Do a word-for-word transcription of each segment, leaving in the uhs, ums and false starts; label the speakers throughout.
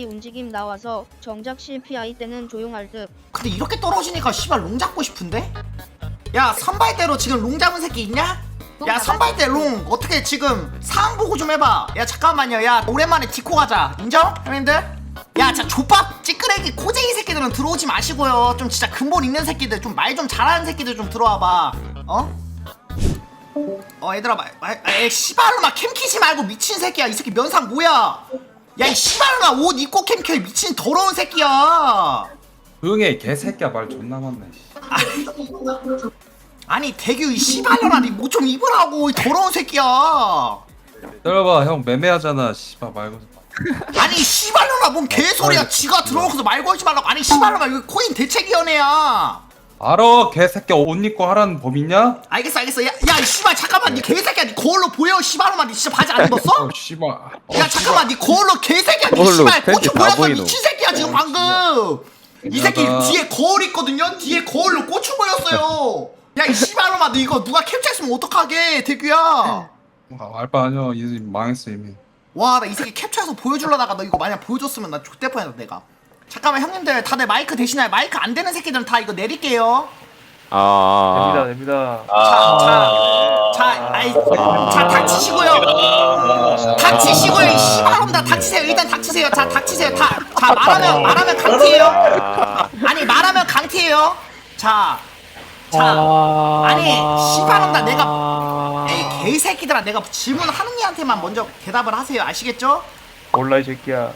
Speaker 1: 갑자기 움직임 나와서 정작 씨피아이 때는 조용할 듯.
Speaker 2: 근데 이렇게 떨어지니까 씨발 롱 잡고 싶은데? 야 선발대로 지금 롱 잡은 새끼 있냐? 야 선발대 롱 어떻게 지금 상황 보고 좀 해봐. 야 잠깐만요. 야 오랜만에 디코 가자. 인정? 형님들? 야 자 족밥 찌끄레기 코제이 새끼들은 들어오지 마시고요. 좀 진짜 근본 있는 새끼들 좀 말 좀 잘하는 새끼들 좀 들어와봐. 어? 어 얘들아 말, 말, 에 씨발로마 캠 키지 말고 미친 새끼야. 이 새끼 면상 뭐야? 야 이 씨발로마 옷 입고 캠 켜 미친 더러운 새끼야.
Speaker 3: 조용히 해 개새끼야. 말 존나 많네.
Speaker 2: 아니 대규 이 씨발년아 니 뭐 좀 입으라고 이 더러운 새끼야.
Speaker 3: 들어봐 형 매매하잖아. 씨발 말고 좀.
Speaker 2: 아니 씨발년아 뭔 개소리야. 지가 들어오고서 말 걸지 말라고. 아니 씨발년아 이거 코인 대책위원회야.
Speaker 3: 알아 개새끼야. 옷 입고 하라는 법 있냐?
Speaker 2: 알겠어 알겠어. 야야 이 씨발 잠깐만 니 개새끼야. 니 거울로 보여 씨발년아. 니 진짜 바지 안 입었어?
Speaker 3: 어 씨발. 어,
Speaker 2: 야 잠깐만 니 거울로 개새끼야. 니
Speaker 4: 거울로
Speaker 2: 씨발
Speaker 4: 팬티
Speaker 2: 고추
Speaker 4: 다
Speaker 2: 보였어
Speaker 4: 보이노.
Speaker 2: 미친 새끼야 지금 방금. 이 새끼
Speaker 3: 미안하다.
Speaker 2: 뒤에 거울 있거든요. 뒤에 거울로 고추 보였어요. 야 이 씨발놈아 너 이거 누가 캡처했으면 어떡하게 대규야.
Speaker 3: 아, 알바 아니야. 이제 망했어 이미.
Speaker 2: 와 나 이 새끼 캡처해서 보여주려다가 너 이거 만약 보여줬으면 나 X대 뻔했다 내가. 잠깐만 형님들 다들 마이크 대신에 마이크 안 되는 새끼들은 다 이거 내릴게요.
Speaker 4: 아,
Speaker 5: 됩니다.
Speaker 2: 자, 자, 자, 아이, 자 닥치시고요. 닥치시고요 이 씨발놈들 닥치세요. 일단 닥치세요. 자 닥치세요. 다, 자 말하면 말하면 강티예요. 아니 말하면 강티예요. 자, 자, 아니 씨발놈들 내가 에이 개새끼들아 내가 질문하는 이한테만 먼저 대답을 하세요. 아시겠죠?
Speaker 5: 몰라 이 새끼야.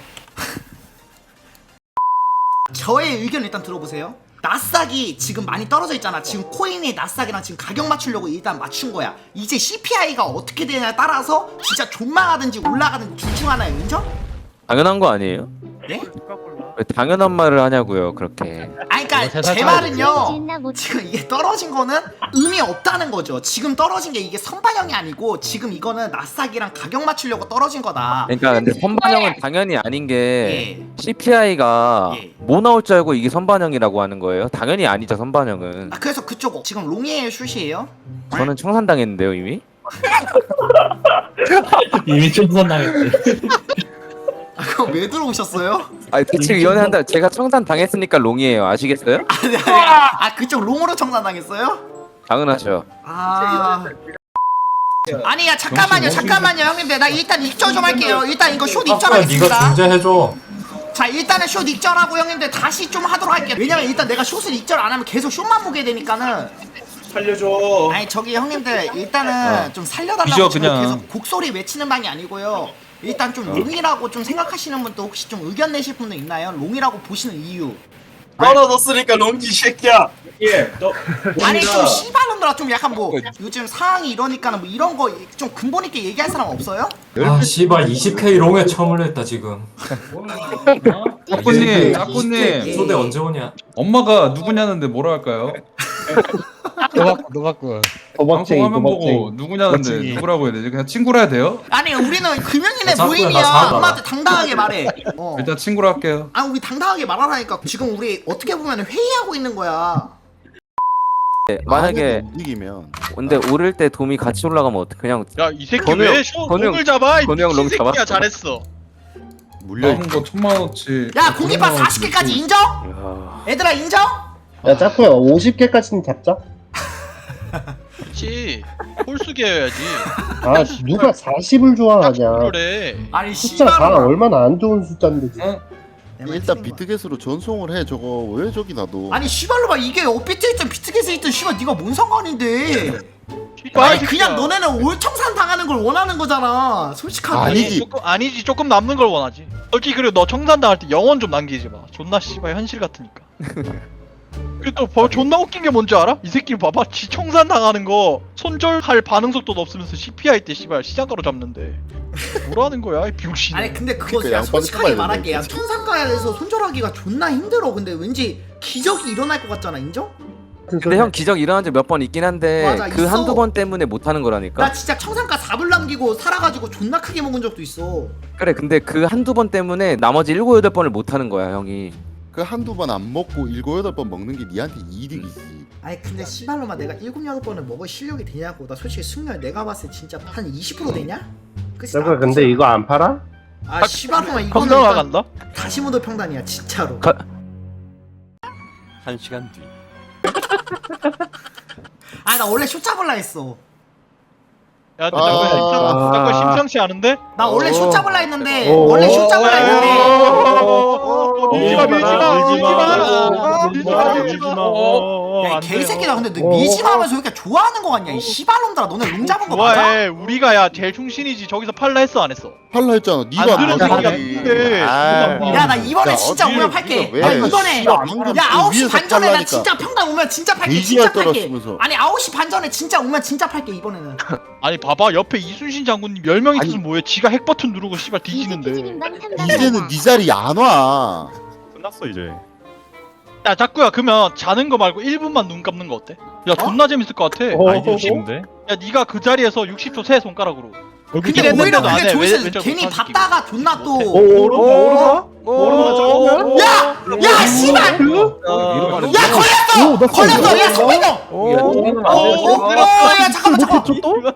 Speaker 2: 저의 의견 일단 들어보세요. 나스닥이 지금 많이 떨어져 있잖아. 지금 코인의 나스닥이랑 지금 가격 맞추려고 일단 맞춘 거야. 이제 씨피아이가 어떻게 되냐에 따라서 진짜 존망하든지 올라가든지 둘 중 하나예요. 인정?
Speaker 4: 당연한 거 아니에요?
Speaker 2: 네?
Speaker 4: 왜 당연한 말을 하냐고요, 그렇게.
Speaker 2: 아니 그니까 제 말은요 지금 이게 떨어진 거는 의미 없다는 거죠. 지금 떨어진 게 이게 선반영이 아니고 지금 이거는 나스닥이랑 가격 맞추려고 떨어진 거다.
Speaker 4: 그러니까 근데 선반영은 당연히 아닌 게
Speaker 2: 예.
Speaker 4: 씨피아이가
Speaker 2: 예.
Speaker 4: 뭐 나올 줄 알고 이게 선반영이라고 하는 거예요? 당연히 아니죠, 선반영은.
Speaker 2: 아 그래서 그쪽 지금 롱이에요 슛이에요?
Speaker 4: 저는 청산당했는데요, 이미.
Speaker 6: 이미 청산당했대.
Speaker 2: 아 그거 왜 들어오셨어요?
Speaker 4: 아니 대책위원회 한다. 제가 청산 당했으니까 롱이에요. 아시겠어요?
Speaker 2: 아니 아니 아 그쪽 롱으로 청산당했어요?
Speaker 4: 당연하죠.
Speaker 2: 아 아니 야 잠깐만요 잠깐만요 형님들 나 일단 익절 좀 할게요. 일단 이거 숏
Speaker 6: 네가
Speaker 2: 익절하겠습니다.
Speaker 6: 중재해줘.
Speaker 2: 자 일단은 숏 익절하고 형님들 다시 좀 하도록 할게요. 왜냐면 일단 내가 숏을 익절 안 하면 계속 숏만 보게 되니까는.
Speaker 5: 살려줘.
Speaker 2: 아니 저기 형님들 일단은 좀 살려달라고
Speaker 3: 뒤져,
Speaker 2: 지금
Speaker 3: 그냥.
Speaker 2: 계속 곡소리 외치는 방이 아니고요. 일단 좀 롱이라고 좀 생각하시는 분도 혹시 좀 의견 내실 분도 있나요? 롱이라고 보시는 이유.
Speaker 7: 떨어졌으니까 롱기 새끼야.
Speaker 5: 예. 너.
Speaker 2: 아니 좀 씨발놈들아 좀 약간 뭐 요즘 상황이 이러니까는 뭐 이런 거 좀 근본 있게 얘기할 사람 없어요?
Speaker 6: 아 씨발 이십 케이 롱에 처음을 했다 지금.
Speaker 3: 짜꾸님 짜꾸님
Speaker 6: 소대 언제 오냐?
Speaker 3: 엄마가 누구냐는데 뭐라 할까요?
Speaker 8: 노박구 노박구
Speaker 3: 방송 화면 보고 누구냐는데 누구라고 해야 되지? 그냥 친구라 해야 돼요?
Speaker 2: 아니 우리는 금연인의
Speaker 6: 자꾸야,
Speaker 2: 모임이야.
Speaker 6: 나 사과라.
Speaker 2: 엄마한테 당당하게 말해. 어.
Speaker 3: 일단 친구라 할게요.
Speaker 2: 아 우리 당당하게 말하라니까. 지금 우리 어떻게 보면 회의하고 있는 거야.
Speaker 4: 네, 만약에
Speaker 7: 이기면
Speaker 4: 근데 오를 때 돔이 같이 올라가면 어떡? 그냥
Speaker 9: 야 이 새끼
Speaker 4: 건우
Speaker 9: 왜
Speaker 4: 형,
Speaker 9: 쇼
Speaker 4: 건우 형,
Speaker 9: 롱을 잡아? 이
Speaker 4: 건우 형
Speaker 9: 미친
Speaker 4: 롱
Speaker 9: 새끼야
Speaker 4: 잡았어.
Speaker 9: 잘했어.
Speaker 7: 물려.
Speaker 3: 남은 거 천만 원어치.
Speaker 2: 야 공기파 사십 개까지 인정?
Speaker 4: 야,
Speaker 2: 얘들아 인정?
Speaker 8: 야 짜꾸야 오십 개까지는 잡자.
Speaker 9: 그렇지. 홀수계여야지.
Speaker 8: 아 누가 사십을 좋아하냐.
Speaker 9: 그래.
Speaker 2: 아니
Speaker 8: 숫자 사
Speaker 2: 씨발놈아.
Speaker 8: 얼마나 안 좋은 숫자인데 지금.
Speaker 3: 응?
Speaker 2: 내 말
Speaker 7: 일단
Speaker 2: 틀린 거야.
Speaker 7: 비트겟으로 전송을 해. 저거 왜 저기 놔둬?
Speaker 2: 아니 씨발로봐 이게 업비트 있든 비트겟에 있든 씨발 네가 뭔 상관인데.
Speaker 9: 씨발,
Speaker 2: 아니
Speaker 9: 이
Speaker 2: 그냥
Speaker 9: 새끼야.
Speaker 2: 너네는 올청산 당하는 걸 원하는 거잖아 솔직하게.
Speaker 7: 아니지.
Speaker 9: 조금 아니지 조금 남는 걸 원하지. 솔직히 그리고 너 청산 당할 때 영원 좀 남기지 마. 존나 씨발 현실 같으니까. 그리고 또 버- 존나 웃긴 게 뭔지 알아? 이 새끼 봐봐. 지 청산 당하는 거 손절할 반응 속도도 없으면서 씨피아이 때 씨발 시장가로 잡는데 뭐라는 거야 이 병신.
Speaker 2: 아니 근데 그거
Speaker 7: 그러니까
Speaker 2: 야
Speaker 7: 양반을
Speaker 2: 솔직하게
Speaker 7: 뽑아야
Speaker 2: 말할게. 야
Speaker 7: 되는데.
Speaker 2: 천상가에서 손절하기가 존나 힘들어. 근데 왠지 기적이 일어날 것 같잖아. 인정?
Speaker 4: 근데 형 기적 일어난 적 몇 번 있긴 한데
Speaker 2: 맞아,
Speaker 4: 그
Speaker 2: 있어.
Speaker 4: 한두 번 때문에 못 하는 거라니까.
Speaker 2: 나 진짜 청산가 사불 남기고 살아가지고 존나 크게 먹은 적도 있어.
Speaker 4: 그래 근데 그 한두 번 때문에 나머지 일곱 여덟 번을 못 하는 거야, 형이.
Speaker 7: 그 한두 번 안 먹고 일곱 여덟 번 먹는 게 니한테 이득이지.
Speaker 2: 아니 근데 씨발로마 내가 일곱 여덟 번을 먹을 실력이 되냐고. 나 솔직히 승률 내가 봤을 때 진짜 한 이십 퍼센트 되냐? 그치?
Speaker 8: 짜꾸야 근데 이거 안 팔아?
Speaker 2: 아 씨발로만 이거는
Speaker 9: 평당
Speaker 2: 일단
Speaker 9: 나간다?
Speaker 2: 다시 모드 평단이야 진짜로.
Speaker 4: 가-
Speaker 6: 한 시간 뒤.
Speaker 2: 아 나 원래 쇼 잡을라 했어.
Speaker 9: 야, 너
Speaker 7: 아.
Speaker 9: 잠깐 심상, 잠깐 심상치 않은데?
Speaker 2: 나 원래 쇼 잡을라 했는데
Speaker 8: 어.
Speaker 2: 원래 쇼 잡을라 했는데
Speaker 9: 밀지마, 밀지마, 밀지마, 밀지마,
Speaker 5: 밀지
Speaker 9: 밀지마.
Speaker 5: 마.
Speaker 2: 야, 이 개새끼다. 근데 너 미심하면서 왜 이렇게 좋아하는 거 같냐? 이 씨발놈들아, 너네 롱 잡은 거 맞아?
Speaker 9: 좋아해. 우리가 야 제일 충신이지. 저기서 팔라 했어 안 했어?
Speaker 7: 팔라 했잖아.
Speaker 9: 안
Speaker 7: 니가
Speaker 9: 들은
Speaker 7: 안
Speaker 9: 새끼가
Speaker 7: 하지.
Speaker 9: 누군데?
Speaker 7: 아.
Speaker 2: 야, 나 이번에
Speaker 7: 야,
Speaker 2: 진짜
Speaker 7: 어디를
Speaker 2: 오면 팔게.
Speaker 7: 왜?
Speaker 2: 야, 이번에
Speaker 7: 씨발, 방금
Speaker 2: 야, 아홉 시
Speaker 7: 위에서
Speaker 2: 반 전에 나
Speaker 7: 팔라니까.
Speaker 2: 진짜 평당 오면 진짜 팔게.
Speaker 7: 돼지가
Speaker 2: 진짜 팔게.
Speaker 7: 떨어지면서.
Speaker 2: 아니, 아홉 시 반 전에 진짜 오면 진짜 팔게 이번에는.
Speaker 9: 아니 봐봐 옆에 이순신 장군님 열 명 있으면 뭐해? 지가 핵 버튼 누르고 씨발 뒤지는데.
Speaker 7: 이제는 네 자리 안 와.
Speaker 5: 끝났어 이제.
Speaker 9: 야 자꾸야 그러면 자는 거 말고 일 분만 눈 감는 거 어때? 야 존나 재밌을 것 같아.
Speaker 8: 어?
Speaker 5: 아이디어 좋은데?
Speaker 9: 야 네가 그 자리에서 육십 초 세 손가락으로.
Speaker 2: 근데
Speaker 9: 이랬는데도
Speaker 2: 오히려
Speaker 9: 안
Speaker 2: 그게
Speaker 9: 해.
Speaker 2: 좋을
Speaker 9: 왜-
Speaker 2: 수
Speaker 9: 왜
Speaker 2: 있어.
Speaker 9: 저거
Speaker 2: 괜히
Speaker 9: 못하는
Speaker 2: 봤다가 존나 또.
Speaker 8: 오르가 오르가
Speaker 2: 야! 야, 씨발! 야, 걸렸어! 걸렸어! 야, 송민호! 어, 야, 잠깐만, 잠깐만.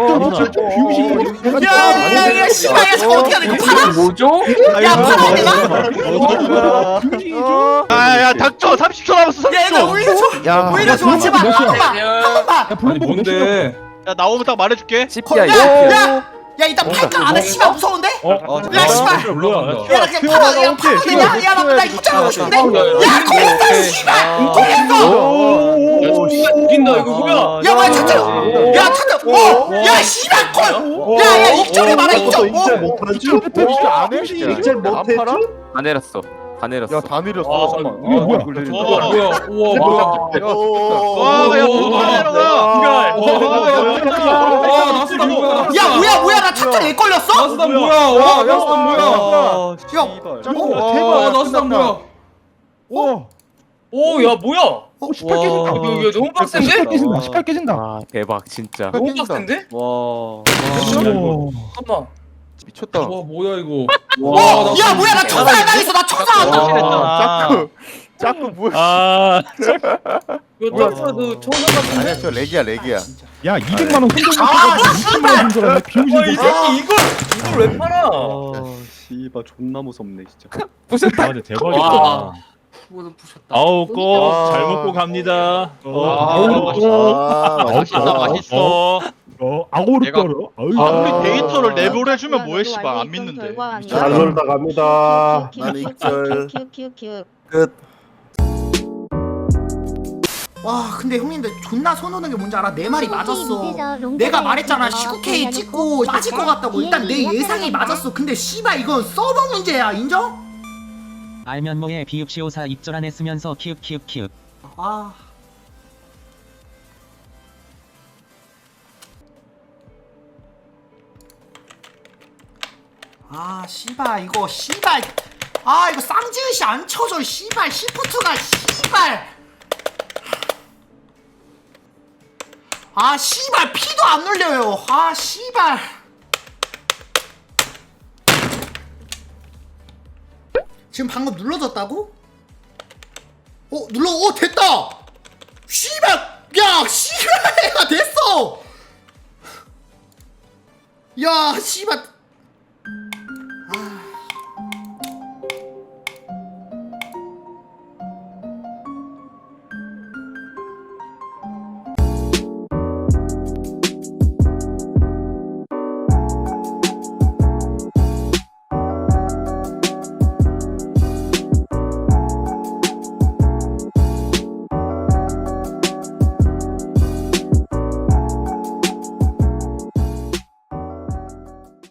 Speaker 2: 야, 야, 야, 씨발, 야, 잠깐 어떻게 해야 돼? 이거 팔아?
Speaker 4: 뭐죠?
Speaker 2: 야, 팔아야 되나?
Speaker 9: 아야 닥쳐 삼십 초 남았어
Speaker 2: 야,
Speaker 9: 삼십
Speaker 2: 얘들아,
Speaker 9: 초.
Speaker 2: 오히려 좋아. 오히려 좋아. 제발, 한 번만. 한 번만.
Speaker 3: 아니 뭔데?
Speaker 9: 야 나오면 딱 말해줄게.
Speaker 4: 씨피야
Speaker 2: 야,
Speaker 4: 이거.
Speaker 2: 야! 야, 이따 팔까 안 해? 씨발, 무서운데?
Speaker 3: 어,
Speaker 2: 야, 씨발!
Speaker 3: 올라간다.
Speaker 2: 야, 나 그냥 팔아, 야, 팔아도 되냐? 야, 나, 나 이거 잡고 싶은데? 야, 걸렸어, 씨발! 걸렸어!
Speaker 6: 웃긴다 이거 뭐야?
Speaker 2: 야, 뭐야, 차트! 야, 차트! 어! 야, 씨발, 걸! 야, 야, 익절해 봐라, 익절! 어!
Speaker 8: 못하지?
Speaker 7: 안 해, 진짜.
Speaker 8: 이제 못했지?
Speaker 4: 다 내렸어. 다 내렸어.
Speaker 7: 다 내렸어.
Speaker 9: 와.
Speaker 7: 잠깐만.
Speaker 3: 이게 뭐야?
Speaker 9: 와.
Speaker 3: 뭐야? 우와 뭐야?
Speaker 9: 와야 뭐가 내려가.
Speaker 3: 와 나스다 뭐야?
Speaker 2: 야, 뭐야, 뭐야, 나 차트 왜 걸렸어?
Speaker 3: 나스다 뭐야? 와 나스다 뭐야?
Speaker 2: 야,
Speaker 3: 와 나스다 뭐야?
Speaker 6: 오 야 뭐야?
Speaker 2: 어,
Speaker 6: 와 이거 너무 빡센데?
Speaker 8: 십팔 깨진다.
Speaker 4: 아 대박 진짜.
Speaker 6: 너무 빡센데?
Speaker 3: 와.
Speaker 6: 잠깐만.
Speaker 7: 미쳤다.
Speaker 3: 와 뭐야 이거?
Speaker 2: 어, 야, 뭐야, 나 청사 안 당했어, 나 청사 안 당했어.
Speaker 9: 와.
Speaker 7: 자꾸 뭐야?
Speaker 5: 아.
Speaker 6: 이거 딱 봐도 청산 같은데?
Speaker 7: 아니야, 저 렉이야, 렉이야.
Speaker 8: 야 이백만 원 손절
Speaker 2: 아,
Speaker 8: 이십만 원 손절하네. 비용신
Speaker 6: 와이 새끼 이걸 이걸 왜 팔아?
Speaker 5: 씨발 존나 무섭네 진짜.
Speaker 4: 부셨다.
Speaker 5: 아 근데 대박이다.
Speaker 6: 와. 그거는 부셨다.
Speaker 5: 아우 꼭 잘 먹고 갑니다.
Speaker 9: 아,
Speaker 7: 아,
Speaker 9: 맛있다
Speaker 7: 맛있다.
Speaker 9: 맛있어.
Speaker 8: 어 아고르
Speaker 9: 내가-
Speaker 8: 떨어.
Speaker 9: 아무리 데이터를 내보내주면 뭐해 씨발 안 믿는데.
Speaker 8: 잘 놀다 갑니다.
Speaker 7: 나는 익절.
Speaker 1: 키키키키.
Speaker 7: 끝.
Speaker 2: 와, 근데 형님들 존나 손 오는 게 뭔지 알아? 내 말이 맞았어. 내가 말했잖아. 십구 케이 찍고 빠질 것 같다고. 일단 내 예상이 맞았어. 근데 씨발 이건 서버 문제야. 인정?
Speaker 10: 알면 뭐해 비읍시오사 입절 안 했으면서 키읔 키읔 키읔.
Speaker 2: 아. 아, 씨발 이거 씨발. 아, 이거 쌍지읒이 안 쳐져. 씨발 시프트가 씨발. 아, 씨발 피도 안 눌려요. 아, 씨발. 지금 방금 눌러졌다고? 어, 눌러. 어, 됐다. 씨발. 야, 씨발. 야, 됐어. 야, 씨발.